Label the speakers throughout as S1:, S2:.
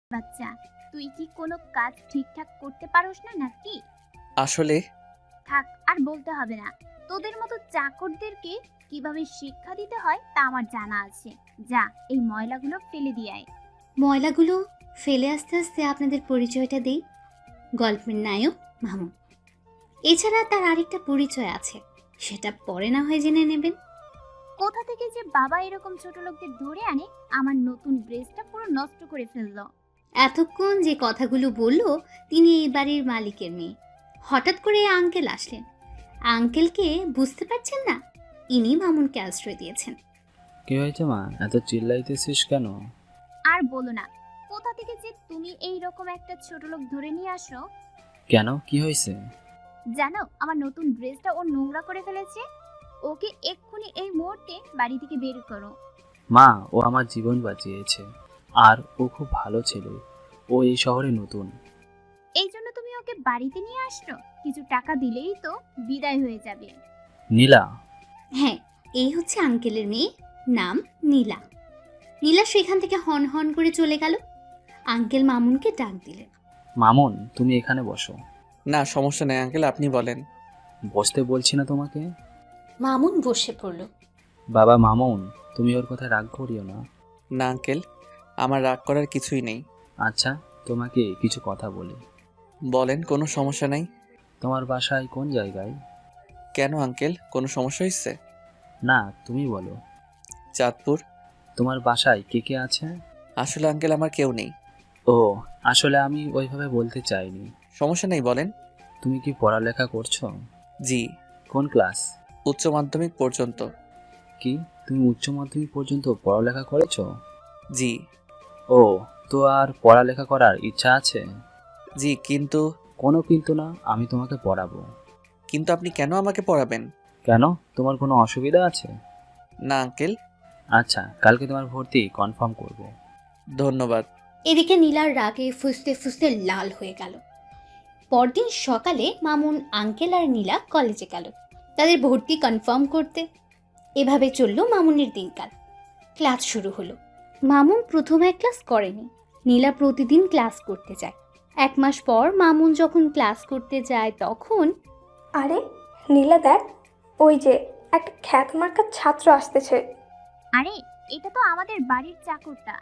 S1: বাচ্চা, তুই কি কোনো কাজ ঠিকঠাক করতে পারোস না নাকি?
S2: আসলে
S1: থাক, আর বলতে হবে না। তোদের মতো চাকরদেরকে কিভাবে শিক্ষা দিতে হয় তা আমার জানা আছে। যা, এই ময়লাগুলো ফেলে দিয়ে আয়।
S3: ময়লাগুলো ফেলে আস্তে আস্তে আপনাদের পরিচয়টা দেই। গল্পের নায়ক মামুন। এছাড়া তার আরেকটা পরিচয় আছে, সেটা পরে না হয় জেনে নেবেন।
S1: কোথা থেকে যে বাবা এরকম ছোট লোকদের ধরে আনে, আমার নতুন ড্রেসটা পুরো নষ্ট করে ফেললো।
S3: এতক্ষণ যে কথাগুলো বলল, তিনি এই বাড়ির মালিকের মেয়ে। হঠাৎ করে আঙ্কেল আসলেন। আঙ্কেলকে বুঝতে পারছেন না, ইনি মামুনকে আশ্রয় দিয়েছেন।
S4: কি হয়েছে মা, এত চিল্লাইতেছিস কেন?
S1: আর বলো না, কোথা থেকে যে তুমি এই রকম একটা ছোট লোক ধরে নিয়ে আসো।
S4: কেন, কি হয়েছে?
S1: জানো, আমার নতুন ড্রেসটা ও নোংরা করে ফেলেছে। ওকে এক্ষুনি এই মুহূর্তে বাড়ি থেকে বের করো।
S4: মা, ও আমার জীবন বাঁচিয়েছে, আর ও খুব ভালো ছেলে। ও এই শহরে নতুন।
S1: এই জন্য তুমি ওকে বাড়িতে নিয়ে আসছো? কিছু টাকা দিলেই তো বিদায় হয়ে যাবে।
S4: নীলা।
S3: হ্যাঁ, এই হচ্ছে আঙ্কেলের মেয়ে, নাম নীলা। নীলা সেখান থেকে হন হন করে চলে গেল। আঙ্কেল মামুনকে ডাক দিলেন।
S4: মামুন, তুমি এখানে বসো।
S2: না, সমস্যা নেই আঙ্কেল, আপনি বলেন।
S4: বসতে বলছি না তোমাকে?
S3: মামুন বসে পড়ল।
S4: বাবা মামুন, তুমি ওর কথা রাগ করিও না।
S2: না আঙ্কেল, আমার রাগ করার কিছুই নেই।
S4: আচ্ছা, তোমাকে কিছু কথা বলি।
S2: বলেন, কোনো সমস্যা নাই।
S4: তোমার বাসায় কোন জায়গায়?
S2: কেন আঙ্কেল, কোনো সমস্যা হয়েছে?
S4: না, তুমি বলো।
S2: চাঁদপুর।
S4: তোমার বাসায় কে কে আছে?
S2: আসলে আঙ্কেল আমার কেউ নেই।
S4: ও, আসলে আমি ওইভাবে বলতে চাইনি।
S2: সমস্যা নেই, বলেন।
S4: তুমি কি পড়ালেখা করছো?
S2: জি।
S4: কোন ক্লাস?
S2: উচ্চ মাধ্যমিক পর্যন্ত।
S4: কি, তুমি উচ্চ মাধ্যমিক পর্যন্ত পড়ালেখা করেছো?
S2: জি।
S4: ও, তো আর পড়ালেখা করার ইচ্ছা আছে?
S2: জি, কিন্তু।
S4: কোনো কিন্তু না, আমি তোমাকে পড়াবো।
S2: কিন্তু আপনি কেন আমাকে পড়াবেন?
S4: কেন, তোমার কোনো অসুবিধা আছে?
S2: না আঙ্কেল।
S4: আচ্ছা, কালকে তোমার ভর্তি কনফার্ম করব।
S2: ধন্যবাদ।
S3: এদিকে নীলার রাগে ফুসতে ফুসতে লাল হয়ে গেল। পরদিন সকালে মামুন, আঙ্কেল আর নীলা কলেজে গেল তাদের ভর্তি কনফার্ম করতে। এভাবে চলল মামুনের দিনকাল। ক্লাস শুরু হলো। মামুন প্রথমে ক্লাস করেনি। নীলা প্রতিদিন ক্লাস করতে যায়। 1 মাস পর মামুন যখন ক্লাস করতে যায় তখন
S5: আরে নীলা দেখ, ওই যে একটা খ্যাতমার্কা ছাত্র আসতেছে।
S1: আরে, এটা তো আমাদের বাড়ির চাকরটা।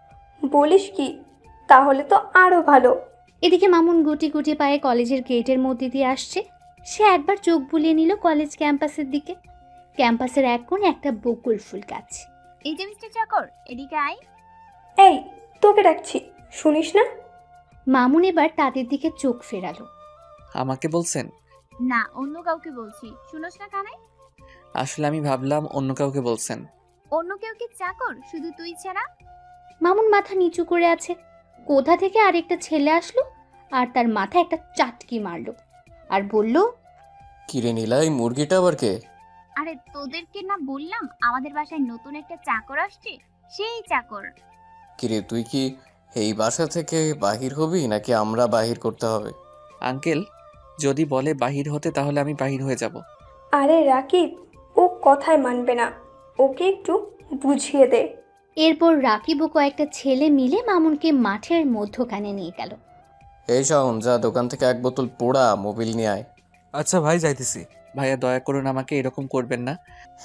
S5: বলিস কি? তাহলে তো আরো ভালো।
S3: এদিকে মামুন গুটি গুটি পায়ে কলেজের গেটের মধ্যে দিয়ে আসছে। সে একবার চোখ বুলিয়ে নিল কলেজ ক্যাম্পাসের দিকে। ক্যাম্পাসের এক কোণে একটা বকুল ফুল গাছ।
S1: এই যে মিস্টার চাকর, এদিকে আয়।
S5: এই, তোকে ডাকছি, শুনিস না?
S3: মামুন এবার তাদের দিকে চোখ ফেরালো।
S2: আমাকে বলছেন?
S1: না, অন্য কাউকে বলছি, শুনোস না কানে?
S2: আসলে আমি ভাবলাম অন্য কাউকে বলছেন।
S1: অন্য কেউ কি চাকর শুধু তুই ছাড়া?
S3: মামুন মাথা নিচু করে আছে। কোথা থেকে আরেকটা ছেলে আসলো আর তার মাথায় একটা চাটকি মারলো আর বলল,
S6: কিরে নীলা, এই মুরগিটা আবার কে?
S1: আরে, তোদেরকে না বললাম আমাদের বাসায় নতুন একটা চাকর আসছে, সেই চাকর।
S6: কিরে, তুই কি এই বাসা থেকে বাহির হবি নাকি আমরা বাহির করতে হবে?
S2: আঙ্কেল, যদি বলে বাহির হতে তাহলে আমি বাহির হয়ে যাব।
S5: আরে রাকিব, ও কথায় মানবে না, ওকে একটু বুঝিয়ে দে।
S3: এরপর রাকিব ও কয়েকটা ছেলে মিলে মামুনকে মাঠের মধ্যখানে নিয়ে গেল।
S6: এই শাওন, যা দোকান থেকে 1 বোতল পোড়া মোবিল নিয়ে আয়।
S7: আচ্ছা ভাই, যাইতেছি।
S2: ভাইয়া, দয়া করুন, আমাকে এরকম করবেন না।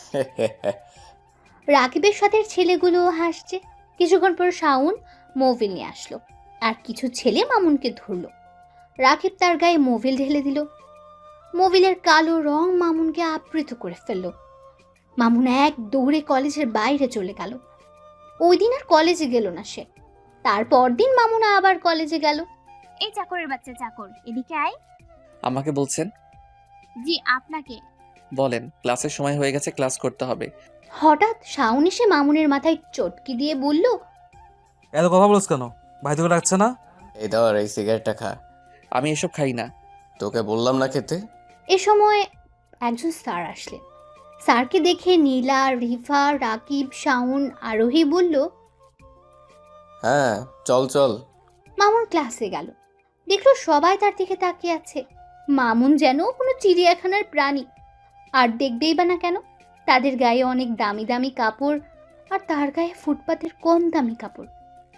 S3: রাকিবের সাথে ছেলেগুলোও হাসছে। কিছুক্ষণ পর শাওন মোবিল নিয়ে আসলো আর কিছু ছেলে মামুনকে ধরলো। রাকিব তার গায়ে মোবিল ঢেলে দিল। মোবিলের কালো রং মামুনকে আবৃত করে ফেলল। মামুন এক দৌড়ে কলেজের বাইরে চলে গেল। ওই দিন আর কলেজে গেল না সে। তারপর দিন মামুন আবার কলেজে গেল।
S1: এই চাকরের বাচ্চা চাকর, এদিকে আয়।
S2: আমাকে বলছেন?
S1: জি, আপনাকে।
S2: বলেন, ক্লাসের সময় হয়ে গেছে, ক্লাস করতে হবে।
S3: হঠাৎ শাওন এসে মামুনের মাথায় চটকি দিয়ে বলল,
S7: এত কথা বলছ কেন? ভাই তোকে ডাকছে না?
S6: এই ধর, এই সিগারেটটা খা।
S2: আমি এসব খাই না।
S6: তোকে বললাম না খেতে?
S3: এ সময় একজন স্যার আসলেন। স্যারকে দেখে নীলা, রিফা, রাকিব, শাওন, আরোহী বলল,
S6: হ্যাঁ, চল চল।
S3: মামুন ক্লাসে গেল। দেখলো সবাই তার দিকে তাকিয়ে আছে। মামুন যেন কোনো চিড়িয়াখানার প্রাণী। আর দেখবেই বা না কেন, তাদের গায়ে অনেক দামি দামি কাপড় আর তার গায়ে ফুটপাতের কম দামি কাপড়।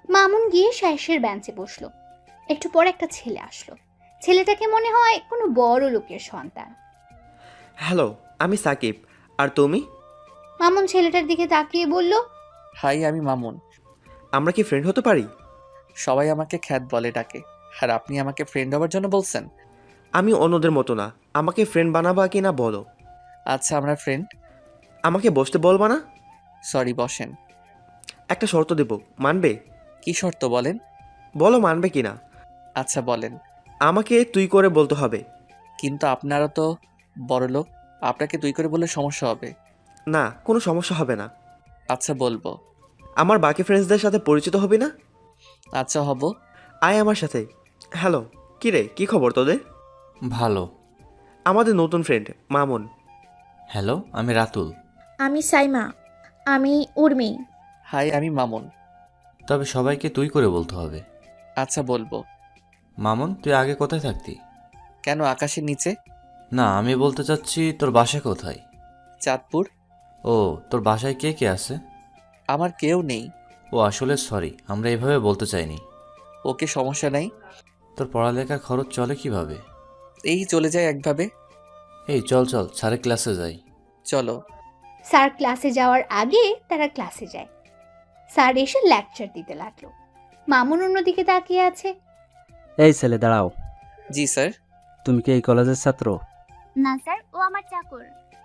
S3: মামুন গিয়ে শ্যাসের বেঞ্চে বসলো। একটু পর একটা ছেলে আসলো। ছেলেটাকে মনে হয় কোনো বড় লোকের সন্তান।
S8: হ্যালো, আমি সাকিব। আর তুমি?
S3: মামুন ছেলেটার দিকে তাকিয়ে বলল,
S2: হাই, আমি মামুন।
S8: আমরা কি ফ্রেন্ড হতে পারি?
S2: সবাই আমাকে খ্যাত বলে ডাকে, আর আপনি আমাকে ফ্রেন্ড হওয়ার জন্য বলছেন?
S8: আমি অন্যদের মতো না, আমাকে ফ্রেন্ড বানাবা কি না বলো।
S2: আচ্ছা, আমরা ফ্রেন্ড।
S8: আমাকে বসতে বলবা না?
S2: সরি, বসেন।
S8: একটা শর্ত দেব, মানবে?
S2: কি শর্ত বলেন?
S8: বলো মানবে কি না।
S2: আচ্ছা বলেন।
S8: আমাকে তুই করে বলতে হবে।
S2: কিন্তু আপনারা তো বড় লোক, আপনাকে তুই করে বললে সমস্যা হবে।
S8: না, কোনো সমস্যা হবে না।
S2: আচ্ছা বলবো।
S8: আমার বাকি ফ্রেন্ডসদের সাথে পরিচিত হবি না?
S2: আচ্ছা হব।
S8: আয় আমার সাথে। হ্যালো, কী রে, কী খবর তোদের?
S9: ভালো।
S8: আমাদের নতুন ফ্রেন্ড মামুন।
S9: হ্যালো, আমি রাতুল।
S10: আমি সাইমা। আমি উর্মি।
S2: হাই, আমি মামুন।
S9: তবে সবাইকে তুই করে বলতে হবে।
S2: আচ্ছা বলবো।
S9: মামুন, তুই আগে কোথায় থাকতি?
S2: কেন, আকাশের নিচে?
S9: না, আমি বলতে চাচ্ছি তোর বাসা কোথায়?
S2: চাঁদপুর।
S9: ও, তোর বাসায় কে কে আছে?
S2: আমার কেউ নেই।
S9: ও আসলে সরি, আমরা এভাবে বলতে চাইনি।
S2: ওকে, সমস্যা নাই।
S9: তোর পড়ালেখার খরচ চলে কিভাবে?
S2: এই চলে যায় একভাবে।
S9: এই চল চল, স্যারের ক্লাসে যাই।
S2: চলো।
S3: স্যার ক্লাসে যাওয়ার আগে তারা ক্লাসে যায়। স্যার এসে লেকচার দিতে লাগলো। মামুন অন্যদিকে তাকিয়ে আছে।
S11: এই ছেলে দাঁড়াও,
S2: জি স্যার।
S11: তুমি কি এই কলেজের ছাত্র?
S1: না স্যার, ও আমার চাকর।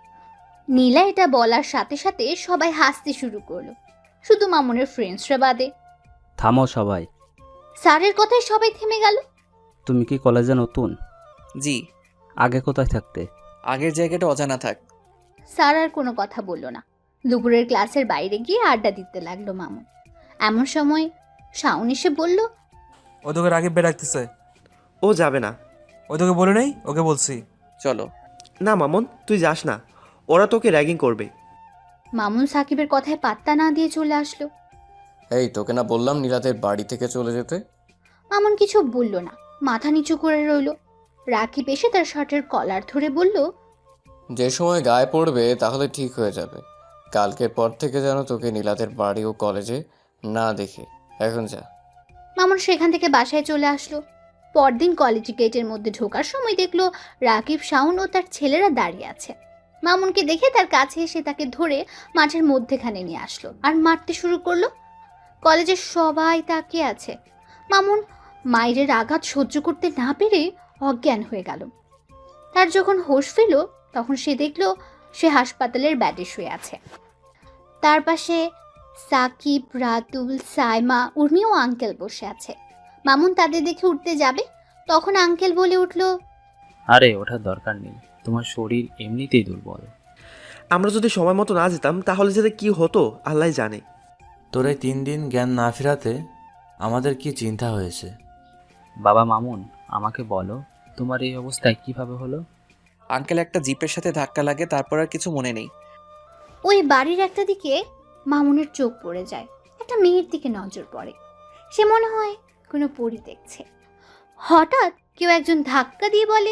S3: নীলা এটা বলার সাথে সাথে সবাই হাসতে শুরু করলো, শুধু মামুনের ফ্রেন্ডসরা বাদে।
S11: থামো সবাই।
S3: স্যারের কথায় সবাই থেমে গেল।
S11: তুমি কি কলেজে নতুন?
S2: জি।
S11: আগে কোথায় থাকতে?
S2: আগের জায়গাটা অজানা থাক।
S3: স্যার আর কোনো কথা বলল না। দুপুরের ক্লাসের বাইরে গিয়ে আড্ডা দিতে লাগলো মামুন। এমন সময় শাওন এসে বলল,
S7: ওই তোকে রাকিব বে ডাকতেছে।
S8: ও যাবে না।
S7: ওই তোকে বলে নেই, ওকে বলছি।
S2: চলো।
S8: না মামুন, তুই যাস না, ওরা তোকে র্যাগিং করবে।
S3: মামুন সাকিবের কথায় পাত্তা না দিয়ে চলে আসলো।
S6: এই তোকে না বললাম নীলাদের বাড়ি থেকে চলে যেতে?
S3: মামুন কিছু বলল না, মাথা নিচু করে রইল। রাকিব এসে তার শার্টের কলার ধরে বলল,
S6: যে সময় গায়ে পড়বে তাহলে ঠিক হয়ে যাবে। কালকের পর থেকে যেন তোকে নীলাদের বাড়ি ও কলেজে না দেখে। এখন যা।
S3: মামুন সেখান থেকে বাসায় চলে আসলো। পরদিন কলেজ গেটের মধ্যে ঢোকার সময় দেখলো রাকিব, শাওন ও তার ছেলেরা দাঁড়িয়ে আছে। মামুনকে দেখে তার কাছে এসে তাকে ধরে মাঠের মধ্যেখানে নিয়ে আসলো আর মারতে শুরু করলো। কলেজের সবাই তাকিয়ে আছে। মামুন মায়ের আঘাত সহ্য করতে না পেরে অজ্ঞান হয়ে গেল। তার যখন হোশ ফিরল তখন সে দেখলো সে হাসপাতালের বেডে শুয়ে আছে। তার পাশে সাকিব, রাতুল, সাইমা, উর্মি ও আঙ্কেল বসে আছে। মামুন তাদের দেখে উঠতে যাবে, তখন আঙ্কেল বলে উঠল,
S4: আরে ওঠার দরকার নেই, তোমার শরীর এমনিতেই দুর্বল।
S8: আমরা যদি সময় মতো না যেতাম তাহলে যেতে কি হতো আল্লাহ জানে।
S9: তোর এই 3 দিন জ্ঞান না ফেরাতে আমাদের কি চিন্তা হয়েছে।
S4: বাবা মামুন, আমাকে বলো তোমার এই অবস্থায় কিভাবে হলো?
S2: আঙ্কেল একটা জিপের সাথে ধাক্কা লাগে, তারপর আর কিছু মনে নেই।
S3: ওই বাড়ির একটা দিকে মামুনের চোখ পড়ে যায়। একটা মেয়ের দিকে নজর পড়ে। সে মনে হয় কোনো পরী দেখছে। হঠাৎ কেউ একজন ধাক্কা দিয়ে বলে,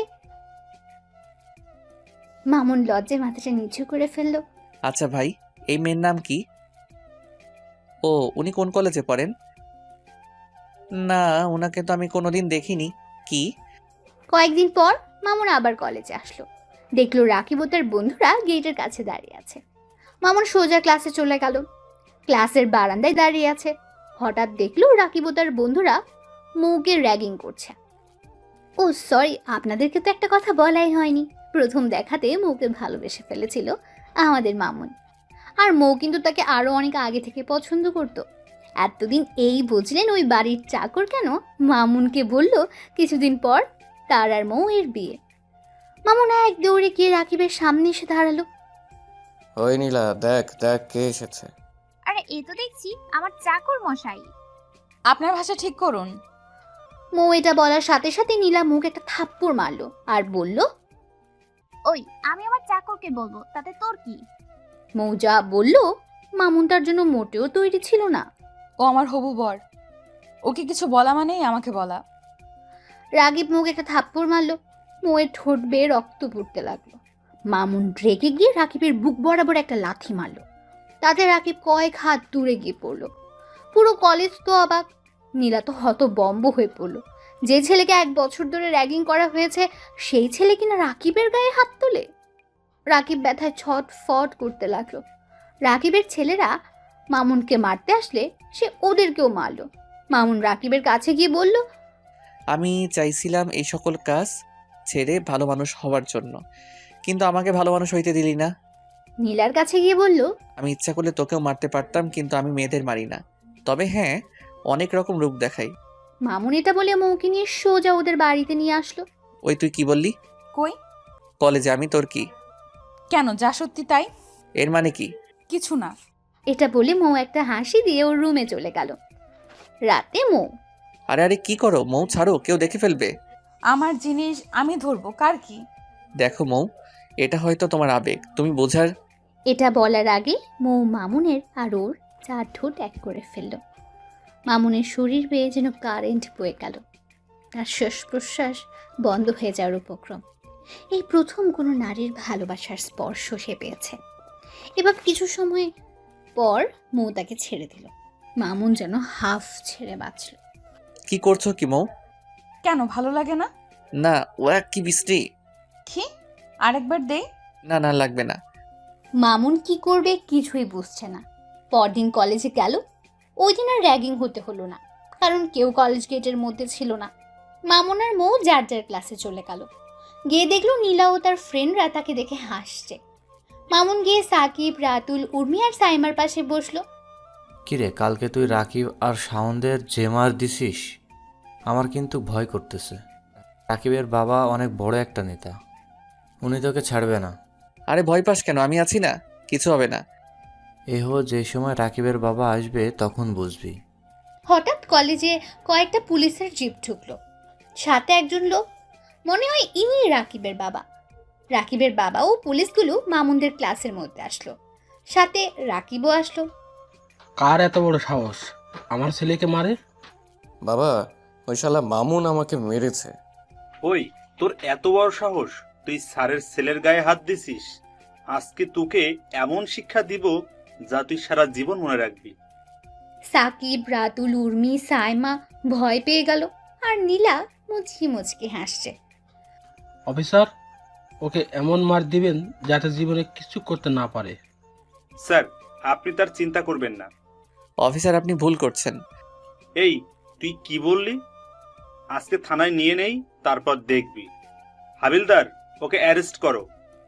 S3: মামুন লজ্জায় মাথাটা নিচু করে ফেলল।
S2: আচ্ছা ভাই, এই মেয়ের নাম কি? ও, উনি কোন কলেজে পড়েন? না, ওনাকে তো আমি কোনোদিন দেখিনি। কি?
S3: কয়েকদিন পর মামুন আবার কলেজে আসলো। দেখলো রাকিব ও তার বন্ধুরা গেটের কাছে দাঁড়িয়ে আছে। মামুন সোজা ক্লাসে চলে গেল। ক্লাসের বারান্দায় দাঁড়িয়ে আছে। হঠাৎ দেখলো রাকিব ও তার বন্ধুরা মৌকে র্যাগিং করছে। ও সরি, আপনাদেরকে তো একটা কথা বলাই হয়নি। প্রথম দেখাতে মৌকে ভালোবেসে ফেলেছিল আমাদের মামুন। আর মৌ কিন্তু তাকে আরো অনেক আগে থেকে পছন্দ করত। এতদিন এই বুঝলেন ওই বাড়ির চাকর কেন মামুনকে বলল কিছুদিন পর তার আর মৌয়ের বিয়ে। মামুন এক দৌড়ে গিয়ে রাকিবের সামনে এসে দাঁড়ালো।
S6: ওই নীলা, দেখ দেখ কে এসেছে।
S1: আরে এ তো দেখছি আমার চাকর মশাই।
S10: আপনার ভাষা ঠিক করুন।
S3: মৌ এটা বলার সাথে সাথে নীলা মুখ একটা থাপ্পড় মারলো আর বলল,
S1: ওই আমি আমার চাকরকে বলবো, তাতে তোর কি?
S3: মৌ যা বলল মামুন তার জন্য মোটেও তৈরি ছিল না।
S10: ও আমার হবু বর, ওকে কিছু বলা মানেই আমাকে বলা।
S3: রাকিব মুখ একটা থাপ্পড় মারলো। মৌয়ের ঠোঁট বেয়ে রক্ত পড়তে লাগলো। মামুন রেগে গিয়ে রাকিবের বুক বরাবর একটা লাথি মারলো। তাতে রাকিব কয়েক হাত দূরে গিয়ে পড়লো। পুরো কলেজ তো অবাক। নীলা তো হতবম্ব হয়ে পড়ল। যে ছেলেকে 1 বছর ধরে র্যাগিং করা হয়েছে সেই ছেলে কিনা রাকিবের গায়ে হাত তোলে। রাকিব ব্যথায় ছটফট করতে লাগলো। রাকিবের ছেলেরা মামুনকে মারতে আসলে সে ওদেরকেও মারলো। মামুন রাকিবের কাছে গিয়ে বলল,
S2: আমি চাইছিলাম এই সকল কাজ ছেড়ে ভালো মানুষ হওয়ার জন্য, কিন্তু আমাকে ভালো মানুষ হইতে দিলি না।
S3: নীলার কাছে গিয়ে বলল,
S2: আমি ইচ্ছা করলে তোকেও মারতে পারতাম, কিন্তু আমি মেয়েদের মারি না। তবে হ্যাঁ, অনেক রকম রূপ দেখাই।
S3: মামুন এটা বলে মৌকে নিয়ে সোজা ওদের বাড়িতে নিয়ে আসলো।
S2: ওই তুই কি বললি?
S10: কই?
S2: কলেজে আমি, তোর কি?
S10: কেন, যা সত্যি তাই।
S2: এর মানে কি?
S10: কিছু না।
S3: এটা বলে মৌ একটা হাসি দিয়ে ওর রুমে চলে গেল। রাতে মৌ,
S2: আরে আরে কি করো মৌ, ছাড়ো, কেউ দেখে ফেলবে।
S10: আমার জিনিস আমি ধরবো, কার কি?
S2: দেখো মৌ, এটা হয়তো তোমার আবেগ, তুমি বোঝার।
S3: এটা বলার আগে মৌ মামুনের আর ওর 4 ঠোঁট এক করে ফেলল। মামুনের শরীর বেয়ে যেন কারেন্ট বয়ে গেল। তার শ্বাস প্রশ্বাস বন্ধ হয়ে যাওয়ার উপক্রম। এই প্রথম কোনো নারীর ভালোবাসার স্পর্শ সে পেয়েছে। এবার কিছু সময় পর মৌ তাকে ছেড়ে দিল। মামুন যেন হাফ ছেড়ে বাঁচল।
S2: কি করছো কি মৌ?
S10: কেন, ভালো লাগে না?
S2: না, ওরা কি বৃষ্টি।
S10: কি? আরেকবার দে।
S2: না না, লাগবে না।
S3: মামুন কি করবে কিছুই বুঝছে না। পরদিন কলেজে গেল। ওই দিন আর র্যাগিং হতে হলো না, কারণ কেউ কলেজ গেটের মধ্যে ছিল না। মামুন আর মৌ যার যার ক্লাসে চলে গেল। গিয়ে দেখলো নীলা ও তার ফ্রেন্ডরা তাকে দেখে হাসছে। মামুন গিয়ে সাকিব, রাতুল, উর্মি আর সাইমার পাশে বসলো।
S9: কিরে, কালকে তুই রাকিব আর শাওনদের যে মার দিছিস, আমার কিন্তু ভয় করতেছে। রাকিবের বাবা অনেক বড় একটা নেতা, উনি তোকে ছাড়বে না।
S2: আরে ভয় পাস কেন, আমি আছি না, কিছু হবে না।
S9: যে সময় রাকিবের বাবা আসবে তখন বুঝবি।
S3: হঠাৎ কলেজে কয়েকটা পুলিশের জিপ ঢুকলো। সাথে একজন লোক, মনে হয় ইনি রাকিবের বাবা। রাকিবের বাবা ও পুলিশগুলো মামুনদের ক্লাসের মধ্যে আসলো। সাথে রাকিবও আসলো।
S12: কার এত বড় সাহস আমার ছেলেকে মারে?
S6: বাবা, ওই শালা মামুন আমাকে মেরেছে।
S13: ওই, তোর এত বড় সাহস, তুই স্যারের ছেলের গায়ে হাত দিছিস? আজকে তোকে এমন শিক্ষা দিব যা তুই সারা জীবন মনে রাখবি।
S3: সাকিব, রাতুল, উর্মি, সাইমা ভয় পেয়ে গেল। আর নীলা মুচকি মুচকি হাসছে।
S12: অফিসার, ওকে এমন মার দিবেন যাতে জীবনে কিছু করতে না পারে।
S13: স্যার, আপনি তার চিন্তা করবেন না।
S2: অফিসার, আপনি ভুল করছেন।
S13: এই, তুই কি বললি? আজকে থানায় নিয়ে নেই, তারপর দেখবি। হাবিলদার, ওকে অ্যারেস্ট করো।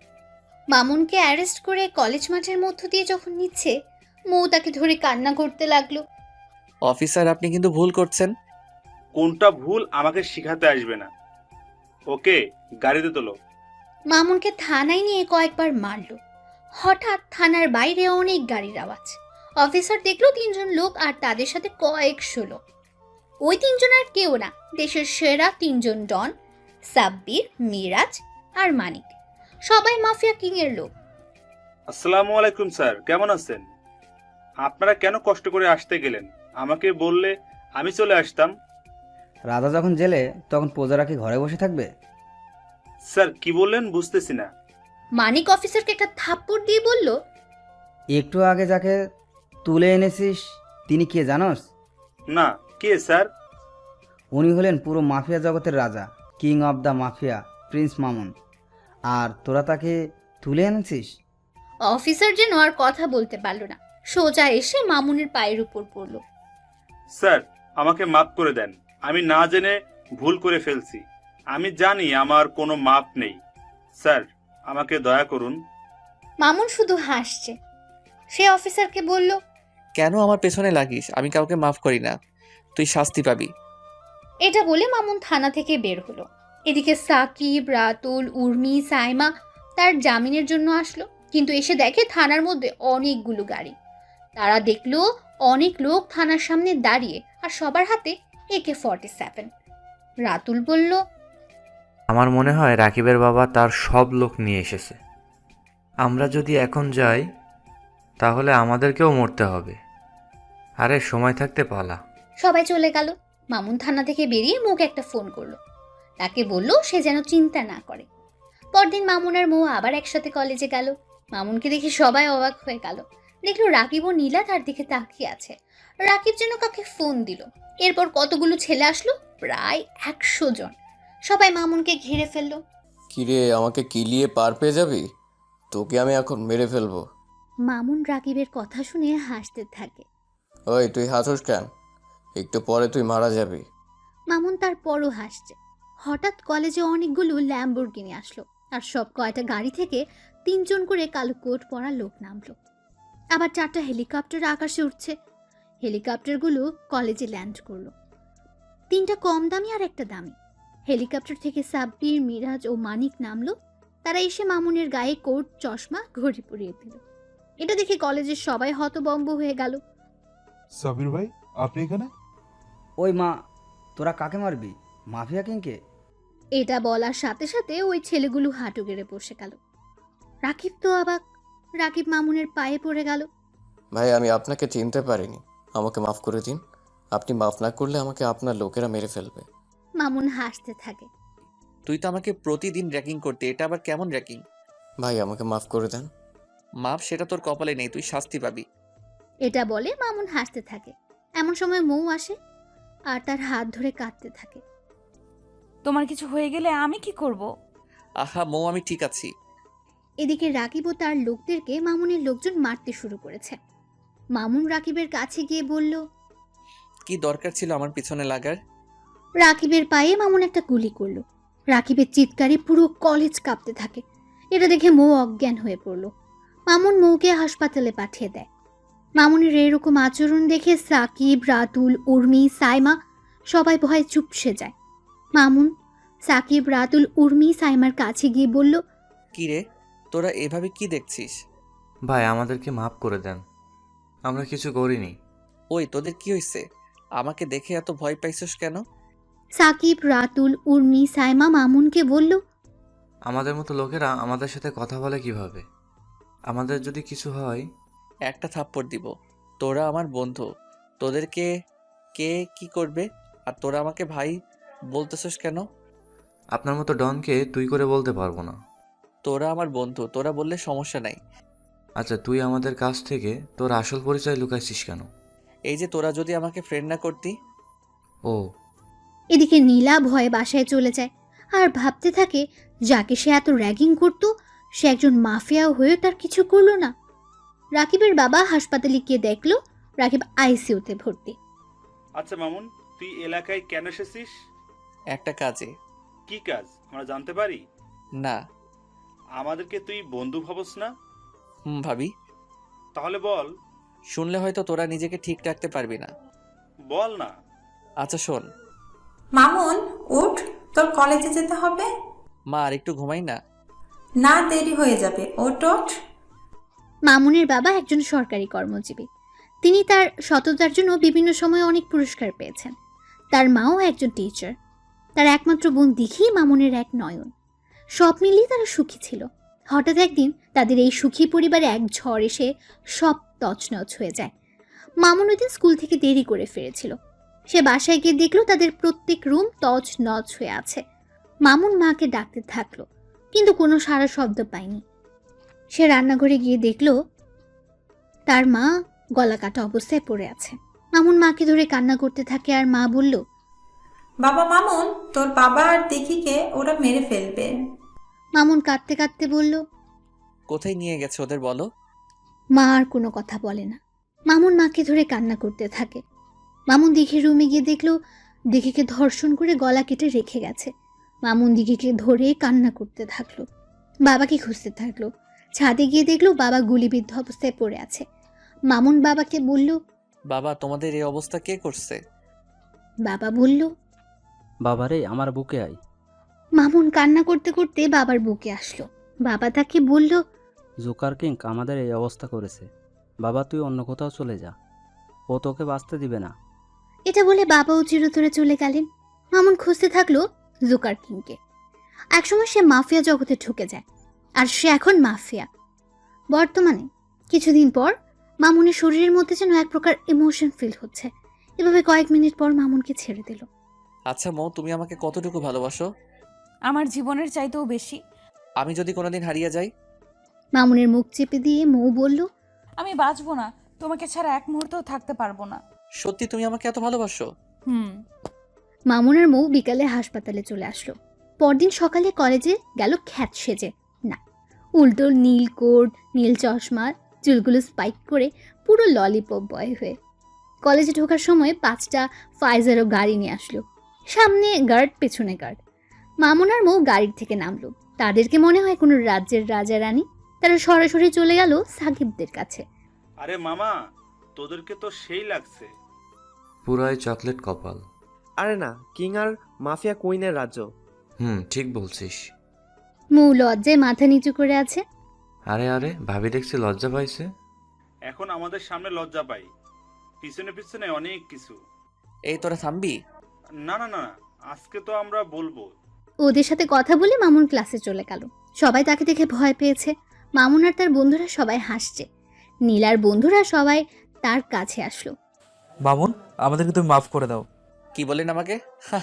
S3: মামুনকে অ্যারেস্ট করে কলেজ মাঠের মধ্য দিয়ে যখন নিচ্ছে, মৌ তাকে ধরে কান্না করতে লাগলো।
S2: অফিসার, আপনি কিন্তু ভুল করছেন।
S13: কোনটা ভুল আমাকে শিখাতে আসবে না। ওকে গাড়িতে তোলো।
S3: মামুনকে থানায় নিয়ে কয়েকবার মারলো। হঠাৎ থানার বাইরে অনেক গাড়ির আওয়াজ। অফিসার দেখলো 3 জন লোক আর তাদের সাথে কয়েকশো লোক। ওই 3 জন আর কেউ না, দেশের সেরা 3 জন ডন, সাব্বির, মিরাজ আর মানিক। সবাই মাফিয়া কিং এর লোক।
S13: আসসালামু আলাইকুম স্যার, কেমন আছেন? আপনারা কেন কষ্ট করে আসতে গেলেন? আমাকে বললে আমি চলে আসতাম।
S11: রাজা যখন জেলে তখন প্রজারা কি ঘরে বসে থাকবে?
S13: স্যার কি বললেন বুঝতেছি না।
S3: মানিক অফিসারকে একটা থাপ্পড় দিয়ে বলল,
S11: একটু আগে যাকে তুলে এনেছিস তিনি কে জানোস?
S13: না, কে স্যার?
S11: উনি হলেন পুরো মাফিয়া জগতের রাজা, king of the mafia, prince Mamun. আর তোরা তাকে তুলে এনেছিস?
S3: অফিসার যেন আর কথা বলতে পারলো না, সোজা এসে মামুনের পায়ের উপর পড়ল।
S13: স্যার, আমাকে মাফ করে দেন, আমি না জেনে ভুল করে ফেলছি। আমি জানি আমার কোনো মাপ নেই। স্যার, আমাকে দয়া করুন।
S3: মামুন শুধু হাসছে। সে অফিসারকে বলল,
S2: কেন আমার পেছনে লাগিস? আমি কাউকে মাফ করি না, তুই শাস্তি পাবি।
S3: এটা বলে মামুন থানা থেকে বের হলো। এদিকে সাকিব, রাতুল, উর্মি, সাইমা তার জামিনের জন্য আসলো, কিন্তু এসে দেখে থানার মধ্যে অনেকগুলো গাড়ি। তারা দেখলো অনেক লোক থানার সামনে দাঁড়িয়ে, আর সবার হাতে AK-47। রাতুল বলল,
S9: আমার মনে হয় রাকিবের বাবা তার সব লোক নিয়ে এসেছে। আমরা যদি এখন যাই তাহলে আমাদেরকেও মরতে হবে। আরে সময় থাকতে পালা।
S3: সবাই চলে গেল। মামুন থানা থেকে বেরিয়ে মুখ একটা ফোন করলো। তাকে বলল সে যেন চিন্তা না করে। পরদিন মামুন আর মৌ আবার একসাথে কলেজে গেল। মামুনকে দেখে সবাই অবাক হয়ে গেল। দেখলো রাকিব ও নীলা তার দিকে তাকিয়ে আছে। রাকিব যেন কাকে ফোন দিল। এরপর কতগুলো ছেলে আসলো, প্রায় 100 জন। সবাই মামুনকে ঘিরে ফেললো।
S6: কিরে, আমাকে কিলিয়ে পার পেয়ে যাবি? তোকে আমি এখন মেরে ফেলবো।
S3: মামুন রাকিবের কথা শুনে হাসতে থাকে।
S6: ওই তুই হাসোস কেন? একটু পরে তুই মারা যাবি।
S3: মামুন তারপরও হাসছে। হঠাৎ কলেজে অনেকগুলো ল্যাম্বরগিনি আসলো, আর সব কয়টা গাড়ি থেকে 3 জন করে কালো কোট পরা লোক নামলো। আবার 4টা হেলিকপ্টার আকাশে উঠছে। হেলিকপ্টারগুলো কলেজে ল্যান্ড করলো। 3টা কম দামি আর একটা দামি। হেলিকপ্টার থেকে সাব্বির, মিরাজ ও মানিক নামলো। তারা এসে মামুনের গায়ে কোট, চশমা, ঘড়ি পরিয়ে দিল। এটা দেখে কলেজের সবাই হতবম্ব হয়ে গেল।
S14: সাবির ভাই, আপনি এখানে?
S11: ওই মা, তোরা কাকে মারবি? মাফিয়া কিংকে?
S3: এটা বলার সাথে সাথে ওই ছেলেগুলো হাঁটু গেড়ে বসে গেল। রাকিব তো অবাক। রাকিব মামুনের পায়ে পড়ে গেল।
S6: ভাই, আমি আপনাকে চিনতে পারিনি, আমাকে মাফ করে দিন। আপনি মাফ না করলে আমাকে আপনার লোকেরা মেরে ফেলবে।
S3: মামুন হাসতে থাকে।
S2: তুই তো আমাকে প্রতিদিন র্যাকিং করতে, এটা আবার কেমন র্যাকিং?
S6: ভাই, আমাকে মাফ করে দেন।
S2: মাপ সেটা তোর কপালে নেই, তুই শাস্তি পাবি।
S3: এটা বলে মামুন হাসতে থাকে। এমন সময় মৌ আসে আর তার হাত ধরে কাঁদতে থাকে।
S10: তোমার কিছু হয়ে গেলে আমি কি করব?
S2: আহা মৌ, আমি ঠিক আছি।
S3: এদিকে রাকিব ও তার লোকদেরকে মামুনের লোকজন মারতে শুরু করেছে। মামুন রাকিবের কাছে গিয়ে বলল,
S2: কি দরকার ছিল আমার পিছনে লাগার?
S3: রাকিবের পায়ে মামুন একটা গুলি করলো। রাকিবের চিৎকারে পুরো কলেজ কাঁপতে থাকে। এটা দেখে মৌ অজ্ঞান হয়ে পড়ল। মামুন মৌকে হাসপাতালে পাঠিয়ে দেয়। মামুনের এরকম আচরণ দেখে সাকিব, রাতুল, উর্মি, সাইমা সবাই ভয়ে চুপসে যায়। মামুন সাকিব, রাতুল, উর্মি, সাইমার কাছে গিয়ে বলল,
S2: কি রে, তোরা এভাবে কি দেখছিস?
S9: ভাই, আমাদেরকে মাফ করে দেন, আমরা কিছু করিনি।
S2: ওই তোদের কি হয়েছে? আমাকে দেখে এত ভয় পাইছস কেন?
S3: সাকিব, রাতুল, উর্মি, সাইমা মামুনকে বলল,
S9: আমাদের মতো লোকেরা আমাদের সাথে কথা বলে কিভাবে? আমাদের যদি কিছু হয়?
S2: একটা থাপ্পড় দিব। তোরা আমার বন্ধু, তোদেরকে কে কি করবে? আর তোরা আমাকে ভাই বলতেছস কেন?
S9: আপনার মতো ডনকে তুই করে বলতে পারবো না।
S2: তোরা আমার বন্ধু, তোরা বললে সমস্যা নাই।
S9: আচ্ছা, তুই আমাদের কাছ থেকে তোর আসল পরিচয় লুকাইছিস কেন?
S2: এই যে তোরা যদি আমাকে ফ্রেন্ড না করতি।
S9: ও।
S3: এদিকে নীলা ভয়ে বাসায় চলে যায় আর ভাবতে থাকে যাকে সে এত র্যাগিং করতো সে একজন মাফিয়া হয়েও তার কিছু করলো না। রাকিবের বাবা হাসপাতালে গিয়ে দেখলো রাকিব আইসিইউতে ভর্তি।
S13: আচ্ছা মামুন, তুই এলাকায় কেন এসেছিস?
S2: একটা কাজে।
S13: কি কাজ আমরা জানতে পারি?
S2: না।
S13: আমাদেরকে তুই বন্ধু ভাবস না?
S2: ভাবি।
S13: তাহলে বল।
S2: শুনলে হয়তো তোরা নিজেকে ঠিক রাখতে পারবি না।
S13: বল না।
S2: আচ্ছা শোন।
S15: মামুন, উঠ, তোর কলেজে যেতে হবে।
S2: মা, আর একটু ঘুমাই না?
S15: না, দেরি হয়ে যাবে, ওঠ ওঠ।
S3: মামুনের বাবা একজন সরকারি কর্মজীবী। তিনি তার সততার জন্য বিভিন্ন সময়ে অনেক পুরস্কার পেয়েছেন। তার মাও একজন টিচার। তার একমাত্র বোন দিঘি মামুনের এক নয়ন। সব মিলিয়ে তারা সুখী ছিল। হঠাৎ একদিন তাদের এই সুখী পরিবারে এক ঝড় এসে সব তছনছ হয়ে যায়। মামুন ওই দিন স্কুল থেকে দেরি করে ফিরেছিল। সে বাসায় গিয়ে দেখলো তাদের প্রত্যেক রুম তছনছ হয়ে আছে। মামুন মাকে ডাকতে থাকলো, কিন্তু কোনো সাড়া শব্দ পায়নি। সে রান্নাঘরে গিয়ে দেখলো তার মা গলা কাটা অবস্থায় পড়ে আছে। মামুন মাকে ধরে কান্না করতে থাকে আর মা বলল,
S15: বাবা মামুন, তোর বাবা আর দিঘিকে ওরা মেরে ফেলবে।
S3: মামুন কাঁদতে কাঁদতে বলল,
S2: কোথায় নিয়ে গেছে ওদের বলো?
S3: মা আর কোনো কথা বলে না। মামুন মাকে ধরে কান্না করতে থাকে। মামুন দিঘির রুমে গিয়ে দেখলো দিঘিকে ধর্ষণ করে গলা কেটে রেখে গেছে। মামুন দিঘিকে ধরে কান্না করতে থাকলো। বাবাকে খুঁজতে থাকলো। ছাদে গিয়ে দেখলো বাবা গুলিবিদ্ধ অবস্থায় পড়ে আছে। মামুন বাবাকে বলল,
S2: বাবা, তোমাদের এই অবস্থা কে করছে?
S3: বাবা বলল,
S4: বাবারে, আমার বুকে আয়।
S3: মামুন কান্না করতে করতে বাবার বুকে আসলো। বাবা তাকে বলল,
S4: জোকার কিং আমাদের এই অবস্থা করেছে। বাবা, তুই অন্য কোথাও চলে যা, ও তোকে বাঁচতে দিবে না।
S3: এটা বলে বাবাও চিরতরে চলে গেলেন। মামুন খুঁজতে থাকলো জোকার কিংকে। একসময় সে মাফিয়া জগতে ঢুকে যায়, আর সে এখন মাফিয়া। বর্তমানে কিছুদিন পর মামুনের শরীরের মধ্যে যেন এক প্রকার ইমোশন ফিল হচ্ছে। এভাবে কয়েক মিনিট পর মামুনকে ছেড়ে দিল।
S2: আচ্ছা মৌ, তুমি আমাকে কতটুকু ভালোবাসো?
S10: আমার জীবনের চাইতেও বেশি।
S2: আমি যদি কোনোদিন হারিয়ে যাই?
S3: মামুনের মুখ চেপে দিয়ে মৌ বলল,
S10: আমি বাঁচবো না, তোমাকে ছাড়া এক মুহূর্তও থাকতে পারবো না।
S2: সত্যি তুমি আমাকে এত ভালোবাসো?
S10: হুম।
S3: মামুন আর মৌ বিকালে হাসপাতালে চলে আসলো। পরদিন সকালে কলেজে গেল খ্যাত সেজে। না, উল্টো নীল কোট, নীল চশমা, চুলগুলো স্পাইক করে পুরো ললিপপ বয় হয়ে কলেজে ঢোকার সময় 5টা ফাইজারও গাড়ি নিয়ে আসলো। সামনে গার্ড, পেছনে গার্ড। মামুন আর মৌ গাড়ির থেকে নামলো। তাদেরকে মনে হয় কোনো রাজ্যের রাজা রানী। তারা সরাসরি চলে গেল সাকিবদের কাছে।
S13: আরে মামা, তোদেরকে তো সেই লাগছে।
S9: পুরাই চকলেট কপাল।
S8: আরে না, কিং আর মাফিয়া কুইনের রাজ্য।
S9: ঠিক বলছিস।
S3: মৌ লজ্জায় মাথা নিচু করে আছে।
S9: আরে আরে, ভাবি দেখছি লজ্জা পাইছে।
S13: এখন আমাদের সামনে লজ্জা পাই, পিছনে পিছনে অনেক কিছু।
S2: এই তোরা থামবি?
S13: না না না, আজকে তো আমরা বলবো।
S3: ওদের সাথে কথা বলে মামুন ক্লাসে চলে গেল। সবাই তাকে দেখে ভয় পেয়েছে। মামুন আর তার বন্ধুরা সবাই হাসছে। নীলার বন্ধুরা সবাই তার কাছে আসলো।
S7: মামুন, আমাদেরকে তুমি মাফ করে দাও।
S2: কি বলেন আমাকে?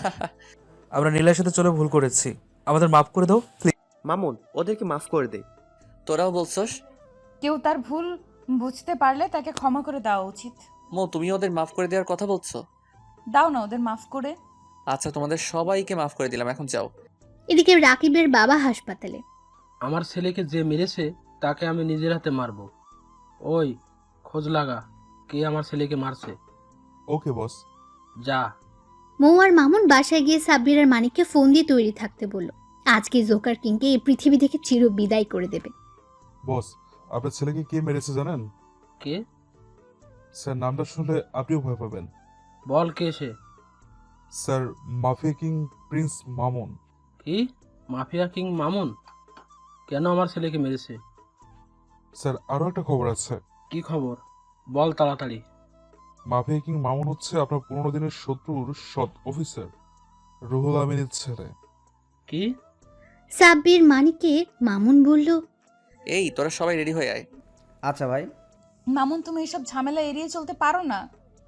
S7: আমরা নীলার সাথে চলে ভুল করেছি, আমাদের মাফ করে দাও প্লিজ।
S8: মামুন, ওদেরকে মাফ করে দে।
S2: তোরাও বলছস?
S10: কেউ তার ভুল বুঝতে পারলে তাকে ক্ষমা করে দেওয়া উচিত।
S2: মৌ, তুমি ওদের মাফ করে দেওয়ার কথা বলছো?
S10: দাও না ওদের মাফ করে।
S2: আচ্ছা, তোমাদের সবাইকে মাফ করে দিলাম, এখন যাও।
S3: এদিকে রাকিবের বাবা হাসপাতালে।
S12: আমার ছেলেকে যে মেরেছে তাকে আমি নিজের হাতে মারবো। ওই খোঁজ লাগা, কে আমার ছেলেকে মারছে।
S14: ওকে বস।
S12: যা।
S3: মৌ আর মামুন বাসায় গিয়ে সাব্বির আর মানিককে ফোন দিয়ে তৈরি থাকতে বলল। আজকে জোকার কিংকে এই পৃথিবী থেকে চির বিদায় করে দেবে।
S14: বস, আপনার ছেলেকে কে মেরেছে জানেন?
S12: কে?
S14: স্যার, নামটা শুনলে আপনিও ভয় পাবেন।
S12: বল কে সে?
S14: Sir, mafia king prince Mamun.
S12: কি? মাফিয়া কিং মামুন কেন আমার ছেলেকে মেরেছে?
S14: স্যার, আরও একটা খবর আছে।
S12: কি খবর? বল তাড়াতাড়ি।
S14: মাফিয়া কিং মামুন হচ্ছে আপনার 15 দিনের শত্রুর সৎ অফিসার রুহুল আমিনের ছেলে।
S12: কি?
S3: সাব্বির মানিককে মামুন বলল।
S2: এই তোরা সবাই রেডি হয়ে আয়।
S11: আচ্ছা ভাই।
S10: মামুন, তুমি এসব ঝামেলা এড়িয়ে চলতে পারো না?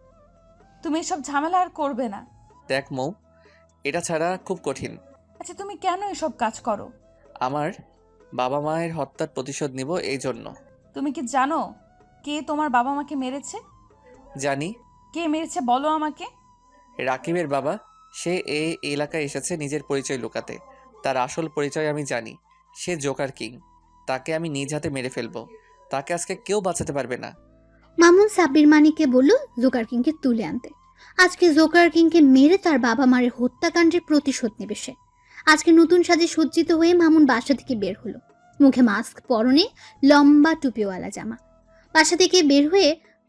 S10: তুমি এসব ঝামেলা আর করবে না।
S2: দেখ মৌ, এটা ছাড়া খুব কঠিন।
S10: আচ্ছা, তুমি কেন এসব কাজ করো?
S2: আমার বাবা মায়ের হত্যার প্রতিশোধ নিব, এই জন্য।
S10: তুমি কি জানো কে তোমার বাবা মাকে মেরেছে?
S2: জানি।
S10: কে মেরেছে বলো আমাকে।
S2: রাকিবের বাবা। সে এই এলাকায় এসেছে নিজের পরিচয় লুকাতে। তার আসল পরিচয় আমি জানি। সে জোকার কিং। তাকে আমি নিজ হাতে মেরে ফেলবো। তাকে আজকে কেউ বাঁচাতে পারবে না।
S3: মামুন সাব্বির মানিককে বলল জোকার কিংকে তুলে আনতে। আজকে জোকার কিংকে মেরে তার বাবা মায়ের হত্যাকাণ্ডের প্রতিশোধ নেবে সে। আজকে নতুন সাজে সজ্জিত হয়ে মামুন বাসা থেকে বের হলো। মুখে মাস্ক, পরনে লম্বা টুপিওয়ালা জামা। বাসা থেকে বের হয়ে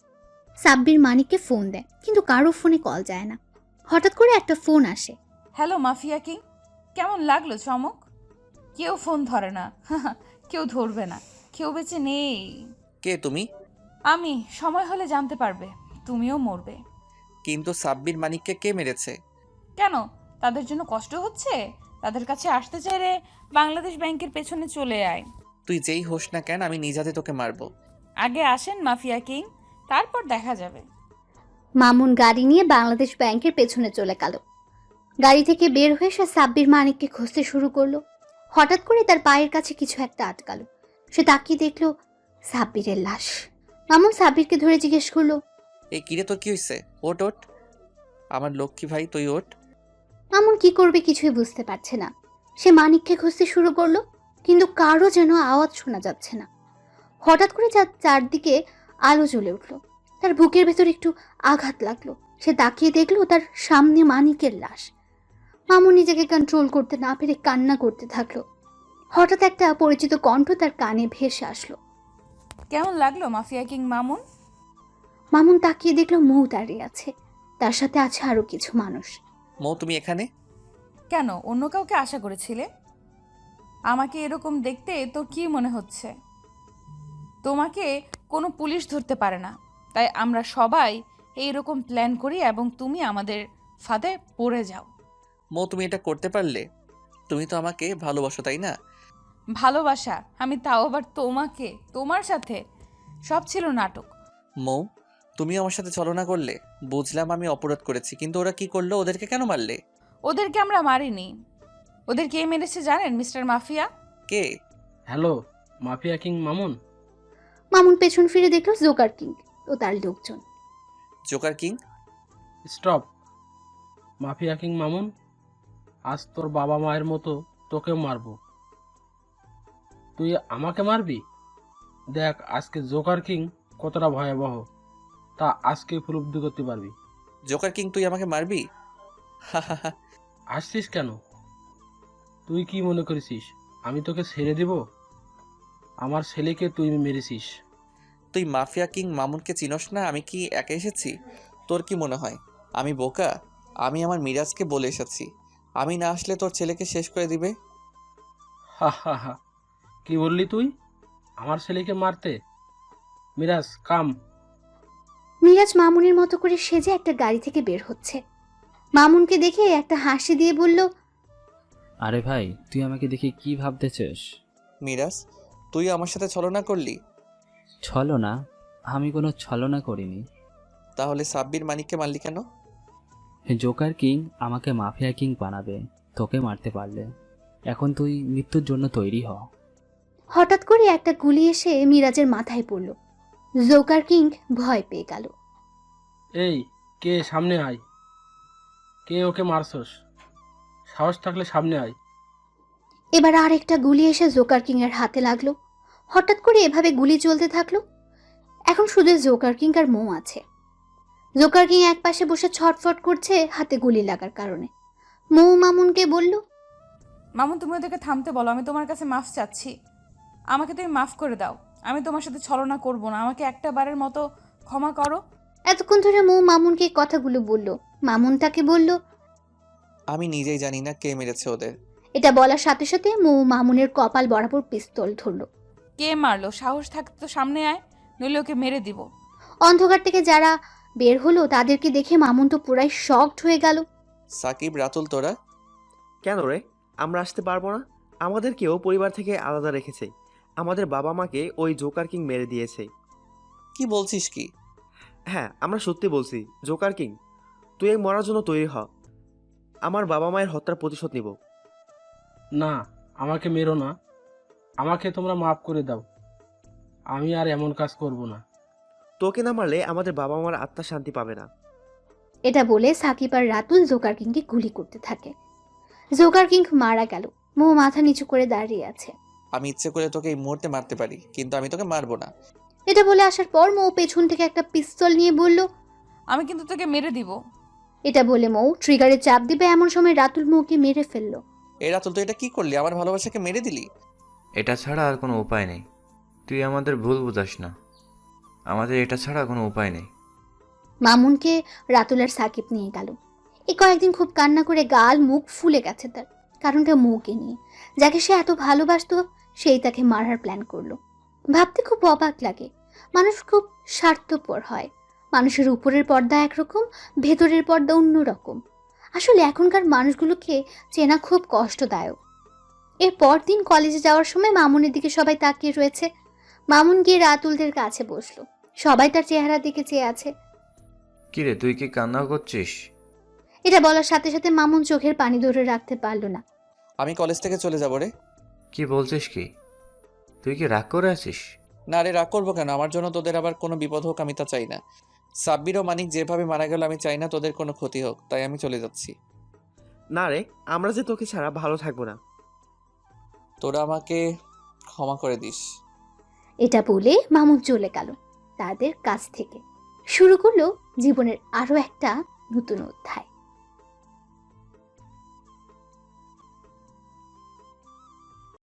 S3: সাব্বির মানিককে ফোন দেয়, কিন্তু কারো ফোনে কল যায় না। হঠাৎ করে একটা ফোন আসে।
S10: হ্যালো মাফিয়া কিং, কেমন লাগলো চমক? কেউ ফোন ধরে না, কেউ ধরবে না, কেউ বেঁচে নেই।
S2: কে তুমি?
S10: আমি। সময় হলে জানতে পারবে, তুমিও মরবে।
S2: কিন্তু সাব্বির মানিককে কে মেরেছে?
S10: কেন, তাদের জন্য কষ্ট হচ্ছে? তাদের কাছে আসতে চাইলে বাংলাদেশ ব্যাংকের পেছনে চলে আয়।
S2: তুই যেই হোস না কেন, আমি নিজ হাতে তোকে মারবো।
S10: আগে আসেন মাফিয়া কিং, তারপর দেখা যাবে।
S3: মামুন গাড়ি নিয়ে বাংলাদেশ ব্যাংকের পেছনে চলে গেল। গাড়ি থেকে বের হয়ে সে সাব্বির মানিককে খুঁজতে শুরু করলো। হঠাৎ করে তার পায়ের কাছে কিছু একটা আটকালো। সে তাকিয়ে দেখলো সাব্বিরের লাশ। মামুন সাব্বিরকে ধরে জিজ্ঞেস করলো,
S2: এই কিরে, তোর কি হয়েছে? ওট ওট, আমার লক্ষ্মী ভাই, তুই ওট।
S3: মামুন কি করবে কিছুই বুঝতে পারছে না। সে মানিককে খুঁজতে শুরু করলো, কিন্তু কারো যেন আওয়াজ শোনা যাচ্ছে না। হঠাৎ করে চারদিকে আলো জ্বলে উঠলো। তার বুকের ভেতর একটু আঘাত লাগলো। সে তাকিয়ে দেখলো তার সামনে মানিকের লাশ। মামুন নিজেকে কন্ট্রোল করতে না পেরে কান্না করতে থাকলো। হঠাৎ একটা পরিচিত কণ্ঠ তার কানে ভেসে আসলো।
S10: কেমন লাগলো মাফিয়া কিং মামুন?
S3: মামুন তাকিয়ে দেখলো মৌ দাঁড়িয়ে আছে। তার সাথে আছে আরো কিছু মানুষ।
S2: মৌ, তুমি এখানে
S10: কেন, অন্য কাউকে আশা করেছিলে? আমাকে এরকম দেখতে তোর কি মনে হচ্ছে? তোমাকে কোনো পুলিশ ধরতে পারে না, তাই আমরা সবাই এইরকম প্ল্যান করি এবং তুমি আমাদের ফাঁদে পড়ে যাও।
S2: মৌ, তুমি এটা করতে পারলে? তুমি তো আমাকে ভালোবাসো, তাই না?
S10: ভালোবাসা? আমি তাও আবার তোমাকে? তোমার সাথে সব ছিল নাটক।
S2: মৌ, তুমিও আমার সাথে ছলনা করলে। বুঝলাম আমি অপরাধ করেছি, কিন্তু ওরা কি করলো? ওদেরকে কেন মারলে?
S10: ওদেরকে আমরা মারিনি। ওদের কে মেরেছে জানেন মিস্টার মাফিয়া?
S2: কে?
S12: Hello, mafia king Mamun.
S3: Mamun পেছন ফিরে দেখলো জোকার কিং ও তার লোকজন।
S2: Joker king?
S12: Stop. Mafia king Mamun, আজ তোর বাবা মায়ের মতো তোকেও মারবো। তুই আমাকে মারবি? দেখ আজকে জোকার কিং কতটা ভয়াবহ, তা আজকে উপলব্ধি করতে পারবি।
S2: জোকার কিং তুই আমাকে মারবি?
S12: আসছিস কেন? তুই কি মনে করেছিস আমি তোকে ছেড়ে দিব? আমার ছেলেকে তুই মেরেছিস।
S2: তুই মাফিয়া কিং মামুনকে চিনস না? আমি কি একা এসেছি? তোর কি মনে হয় আমি বোকা? আমি আমার মিরাজকে বলে এসেছি আমি না আসলে তোর ছেলেকে শেষ করে দিবে।
S12: হা হা হা, কি বললি তুই? আমার ছেলেকে মারতে? মিরাজ কাম।
S3: মিরাজ মামুনের মতো করে সেজে একটা গাড়ি থেকে বের হচ্ছে। মামুনকে দেখে একটা হাসি দিয়ে বলল,
S4: আরে ভাই, তুই আমাকে দেখে কি ভাবতেছিস?
S2: মিরাজ, তুই আমার সাথে ছলনা করলি?
S4: ছলনা? আমি কোনো ছলনা করিনি।
S2: তাহলে সাব্বির মানিককে মারলি কেন?
S4: জোকার কিং আমাকে মাফিয়া কিং বানাবে তোকে মারতে পারলে। এখন তুই মৃত্যুর জন্য তৈরি হ।
S3: হঠাৎ করে একটা গুলি এসে মিরাজের মাথায় পড়ল। জোকার কিং ভয় পেয়ে গেল।
S12: এই কে? সামনে আয়। কে ওকে মারছস? সাহস থাকলে সামনে আয়।
S3: এবার আর একটা গুলি এসে জোকার কিং এর হাতে লাগলো। হঠাৎ করে এভাবে গুলি চলতে থাকলো। এখন শুধু জোকার কিং আর মৌ আছে। জোকার কিং এক পাশে বসে ছটফট করছে হাতে গুলি লাগার কারণে। মৌ মামুনকে বলল,
S10: মামুন তুমি ওদেরকে থামতে বলো, আমি তোমার কাছে মাফ চাচ্ছি। আমাকে তুমি মাফ করে দাও, আমি তোমার সাথে ছলনা করব না, আমাকে একটা বারের মতো ক্ষমা করো।
S3: এতক্ষণ ধরে মৌ মামুনকে এই কথাগুলো বলল। মামুন তাকে বলল,
S2: আমি নিজেই জানি না কে মেরেছে ওদের।
S3: এটা বলার সাথে সাথে মৌ মামুনের কপাল বরাবর পিস্তল ধরলো।
S10: কে মারলো? সাহস থাকতে তো সামনে আয়, নইলে ওকে মেরে দিব।
S3: অন্ধকার থেকে যারা বের হলো তাদেরকে দেখে মামুন তো পুরাই শকড হয়ে গেল।
S2: সাকিব, রাতুল, তোরা
S8: কেন রে? আমরা আসতে পারবো না? আমাদেরকেও পরিবার থেকে আলাদা রেখেছে। আমাদের বাবা মাকে ওই জোকার কিং মেরে দিয়েছে।
S2: কি বলছিস কি?
S8: হ্যাঁ, আমরা সত্যি বলছি। জোকার কিং, তুই এই মরার জন্য তৈরি হ। আমার বাবা মায়ের হত্যার প্রতিশোধ নিব।
S12: না, আমাকে মেরো না। আমাকে তোমরা মাফ করে দাও। আমি আর এমন কাজ করব না।
S8: তোকে না মারলে আমাদের বাবা মার আত্মা শান্তি পাবে না।
S3: এটা বলে সাকিব আর রাতুল জোকার কিংকে গুলি করতে থাকে। জোকার কিং মারা গেল। মৌ মাথা নিচু করে দাঁড়িয়ে আছে।
S2: আমি ইচ্ছে করে তোকে এই মুহূর্তে মারতে পারি, কিন্তু আমি তোকে মারবো না।
S3: এটা বলে আসার পর মৌ পেছন থেকে একটা পিস্তল নিয়ে বলল,
S10: আমি কিন্তু তোকে মেরে দিব।
S3: এটা বলে মৌ ট্রিগারে চাপ দিবে এমন সময় রাতুল মৌকে মেরে ফেললো।
S2: এই রাতুল, তুই এটা কি করলি? আমার ভালোবাসাকে মেরে দিলি।
S9: এটা ছাড়া আর কোনো উপায় নেই। তুই আমাদের ভুল বুঝাস না। আমাদের এটা ছাড়া কোনো উপায় নেই।
S3: মামুনকে রাতুল আর সাকিব নিয়ে গেল। এই কয়েকদিন খুব কান্না করে গাল মুখ ফুলে গেছে তার। কারণটা মৌকে নিয়ে। যাকে সে এত ভালোবাসতো সেই তাকে মারার প্ল্যান করলো। ভাবতে খুব অবাক লাগে। মানুষ খুব স্বার্থপর হয়। মানুষের উপরের পর্দা একরকম, ভেতরের পর্দা অন্যরকম। আসলে এখনকার মানুষগুলোকে চেনা খুব কষ্টদায়ক। এর পরদিন কলেজে যাওয়ার সময় মামুনের দিকে সবাই তাকিয়ে রয়েছে। মামুন গিয়ে রাতুলদের কাছে বসলো। সবাই তার চেহারার দিকে চেয়ে আছে।
S9: কিরে, তুই কি কান্না করছিস?
S3: এটা বলার সাথে সাথে মামুন চোখের পানি ধরে রাখতে পারলো না।
S2: আমি কলেজ থেকে চলে যাবো রে।
S9: কি বলছিস কি? তুই কি রাগ করে আছিস?
S2: না রে, রাগ করবো কেন? আমার জন্য তোদের আবার কোনো বিপদ হোক আমি তা চাই না। সাব্বির ও মানিক যেভাবে মারা গেল আমি চাই না তোদের কোনো ক্ষতি হোক, তাই আমি চলে যাচ্ছি।
S8: না রে, আমরা যে তোকে ছাড়া ভালো থাকবো না।
S2: তোরা আমাকে ক্ষমা করে দিস।
S3: এটা বলে মামুন চলে গেল তাদের কাছ থেকে। শুরু করলো জীবনের আরো একটা নতুন অধ্যায়।